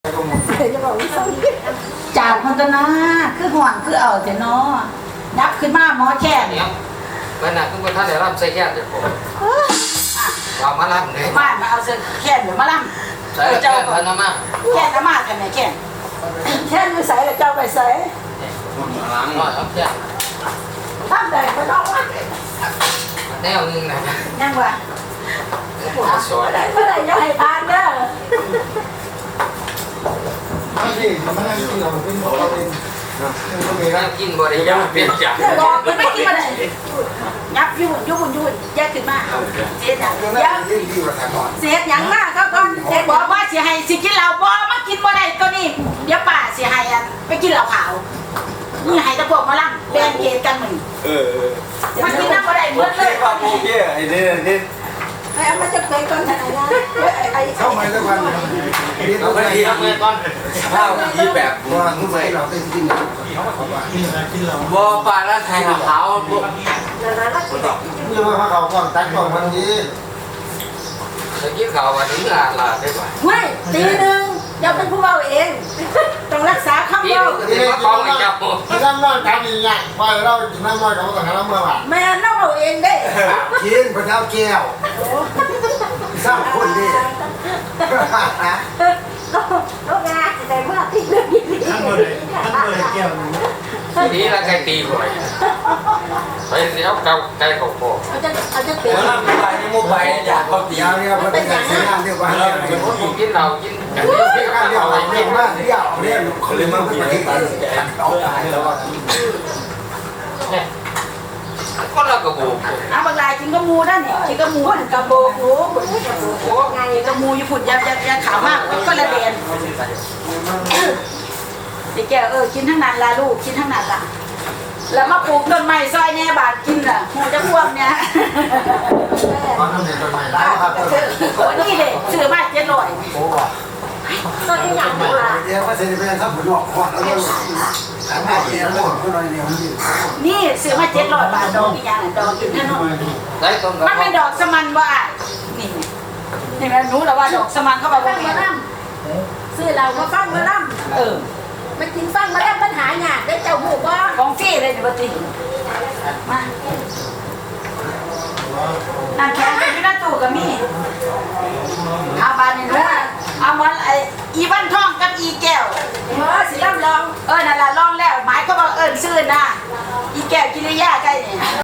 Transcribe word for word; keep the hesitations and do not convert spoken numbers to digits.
จานพันตนาคือห่วงคือเอาแต่น้อนับขึ้นมาหมอแค่เนี่ยมันน่ะคือท่านได้รับใส่แค่เดียวผมเรามารับเลยบ้านมาเอาเสื้อแค่เดี๋ยวมาล่ำใส่แค่พันน้ำมาแค่น้ำมากันไหนแค่แค่ไม่ใส่แล้วเจ้าไปใส่ล้างหน่อยครับแค่ตั้งแต่ไม่ต้องว่าแนวนึงนะยังวะสวยเมื่อไหร่จะให้ทานเด้อไม่ใช่มันนั่งกินเราเป็นเราเป็นก็มีนั่นะงกินบริยาเปลี่ยนจากบอกมันไม่กินมาเลยยับยุ่นยุ่นยุ่นแยกขึ้นมาเสียอย่างยับยิ่งดีกว่าแต่ก่อนเสียอย่างมากเขาก่อนเสียบอกว่าเสียให้สิกินเหล้าบ่มากินบ่ได้ตัวนี้เดี๋ยวป่าเสียให้อ่ะไปกินเหล้าขาวนี่ให้ตะพวกมาล่ำแบ่งเกณฑ์กันมึงเออมากินน้ำบ่ได้เหมือนเลยครับโอเคไอ้นี่นี่ไอ้เอามาจะเป็นก่อนไหนนะไอ้เข้ามาทุกวันเรียนเอารู้ไปได้ทีละเมื่อก่อนข้าวยี่แบบว่าทุกวันเราเป็นจริงเขาบอกว่าบัวปลาและไทยขาวพวกนี่ว่าเขาก่อนตัดก่อนวันนี้จะกินข้าววันนี้ลาลาได้กว่าไม่ตีหนึ่งเดี๋ยวเป็นผู้เบาเองต้องรักษาคำพี่เบาดูที่มาคล้องไอ้เจ้าที่นั่งนอนกันอย่างเงี้ยไปเรากินน้ำมันกับเราแต่ละเมื่อวานแม่น้องเบาเองได้กินพระเจ้าแก้วสร้างคนดีลูกงานแต่เมื่อที่เรื่องนี้ทั้งหมดเลยทั้งหมดเลยแก้วนึงทีนี้ละไก่ตีบ่อยไปเดี๋ยวเกาไก่เขาโผล่เขาจะเขาจะเปลี่ยเดี๋ยวน เราไปนี่มุกไปอยากเขาตียาวเนี่ยเขาเป็นการใช้งานเรียกว่าเรียกเป็นคนกินเหล้ากินกันเรียกการเรียกอะไรเรียกว่าเรียกเรียกเขาเลยมาเป็นประเทศเอาตายแล้วคนละกระโบกเอาบางรายกินกระมูได้เนี่ยกินกระมูกระโบกหูไงกระมูอยู่ฝุ่นยาวยาขาวมากก็ละเด่นไอ้แกเออกินทั้งนั้นละลูกกินทั้งนั้นละแล้วมาปลูกต้นไม้ซอยแน่บาทกินล่ะหูจะพ่วงเนี่ยตอนนั้นเนี่ยต้นไม้ร้ายครับโอ้นี่เด็กซื้อมาเจ็ดร้อยโอ้โหต้นนี้อย่างนี้ล่ะเดี๋ยวว่าเซนเป็นสับผุนออกควันแล้วก็ทำให้เดียวหมดก็เลยเดียวนี่นี่ซื้อมาเจ็ดร้อยบาทดอกอีกอย่างดอกอีกแน่นอนได้ต้นกระมันเพเป็นดอกสมันว่านี่นี่แม่รู้แล้วว่าดอกสมันเข้าไปว่าแม่ซื้อเรามาฟังมาล่ำเออมากินฟังมาแล้วปัญหาหยาดได้เจ้าหูบ่ของฟรีเลยนี่ปติมาน้ำแข็งเป็นอยู่ในตู้ก็มีเอาบานนี่รู้เอาวันไออีวันทองกับอีแก้วเออสิล่ำลองเออนั่นล่ะลองแล้วหมายก็ว่าเอิ้นซื่อนะอีแก้วกิริยาใกล้นี่